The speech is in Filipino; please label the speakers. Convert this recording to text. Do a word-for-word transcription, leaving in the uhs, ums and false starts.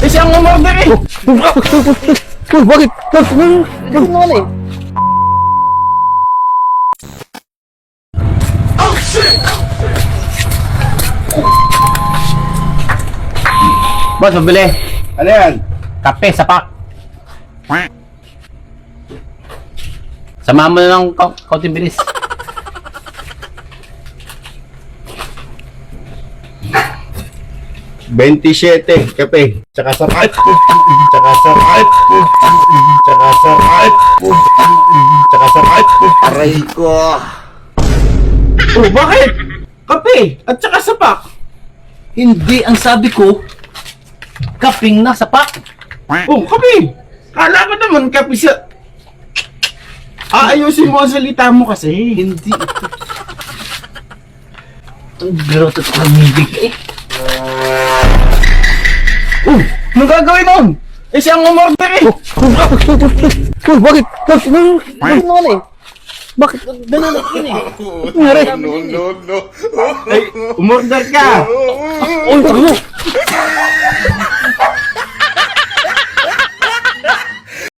Speaker 1: Eh, siya ang umorder eh!
Speaker 2: Uy, bakit?
Speaker 3: Ito naman eh.
Speaker 2: Boss, mabili.
Speaker 1: Ano yan?
Speaker 2: Kape, sapak. Samahan mo na ng ka- kaunting bilis.
Speaker 1: twenty-seven, kape. Tsaka sapat. Tsaka sapat. Tsaka sapat. Tsaka sapat. Aray ko. Oh, bakit? Kape at tsaka sapak.
Speaker 2: Hindi, ang sabi ko, kaping na sapak.
Speaker 1: Oh, kape. Kala ko naman kape sa... Aayusin mo ang salita mo kasi.
Speaker 2: Hindi ito. Ang groto ito ng bibig eh.
Speaker 1: Oh, anong gagawin nun? Eh, siya ang umorder eh.
Speaker 2: Uy, bakit?
Speaker 3: Ito naman eh.
Speaker 2: Bakit?
Speaker 3: Ganun na yun eh.
Speaker 2: Nangyari?
Speaker 1: Ay, umorder ka.
Speaker 2: Uy, tanga.